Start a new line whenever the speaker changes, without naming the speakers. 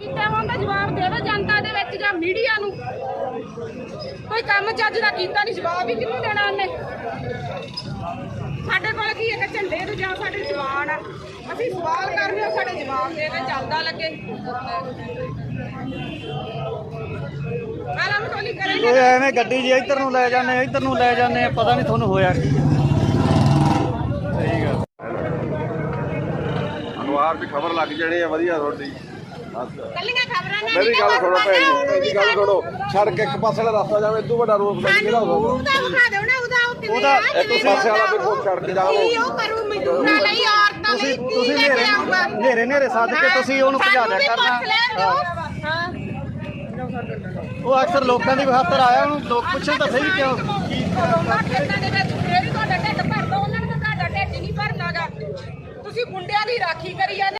जवाब देवे जनता दे विच जां मीडिया नूं कोई काम चज दा कीता नहीं जवाब ही किहनूं देना उन्हें साडे कोल की एक झंडे ते जां साडे जवान आ ਅਸੀਂ सवाल कर रहे हो साडे जवाब दे के चलदा लगे आलम टोली करेंगे
ਐਵੇਂ ਗੱਡੀ ਜੀ ਇੱਧਰ ਨੂੰ ਲੈ ਜਾਂਦੇ ਇੱਧਰ ਨੂੰ ਲੈ ਜਾਂਦੇ ਪਤਾ ਨਹੀਂ ਤੁਹਾਨੂੰ ਹੋਇਆ ਕੀ ਸਹੀ ਗੱਲ
ਅਨਵਾਰ ਦੀ ਖਬਰ ਲੱਗ ਜਾਣੀ ਹੈ ਵਧੀਆ ਤੁਹਾਡੀ
ਕੱਲੀਆਂ ਖਬਰਾਂ ਨੇ
ਮੇਰੀ ਗੱਲ ਸੁਣੋ ਭੈਣ ਜੀ ਮੇਰੀ ਗੱਲ ਸੁਣੋ ਸੜਕ ਇੱਕ ਪਾਸੇ ਵਾਲਾ ਰਸਤਾ ਜਾਵੇ ਇਦੋਂ ਵੱਡਾ ਰੋਕ ਲੱਗ ਕਿਹੜਾ ਹੋਊਗਾ
ਉਹਦਾ ਵਿਖਾ ਦਿਓ ਨਾ ਉਹਦਾ
ਉਹਦਾ ਇੱਕ ਪਾਸੇ ਵਾਲਾ ਦੇਖੋ ਸੜਕ ਜਾਓ
ਉਹ ਕਰੂ ਮਜ਼ਦੂਰਾਂ ਲਈ ਔਰਤਾਂ ਲਈ
ਤੁਸੀਂ ਨੇਰੇ ਸੱਦ ਕੇ ਤੁਸੀਂ ਉਹਨੂੰ ਭਜਾ ਦਿਆ ਕਰਨਾ
ਹਾਂ
ਉਹ ਅਕਸਰ ਲੋਕਾਂ ਦੀ ਖਾਤਰ ਆਇਆ ਉਹਨੂੰ ਲੋਕ ਪੁੱਛਣ ਤਾਂ ਸਹੀ ਕਿਉਂ
ਖੇਤਾਂ ਦੇ ਵਿੱਚ ਫੇਰ ਤੁਹਾਡਾ ਢਿੱਡ ਭਰਦਾ ਉਹਨਾਂ ਨੂੰ ਤਾਂ ਤੁਹਾਡਾ ਢਿੱਡ ਨਹੀਂ ਭਰਨਾਗਾ ਤੁਸੀਂ ਗੁੰਡਿਆਂ ਦੀ ਰਾਖੀ ਕਰੀ ਜਾਂਦੇ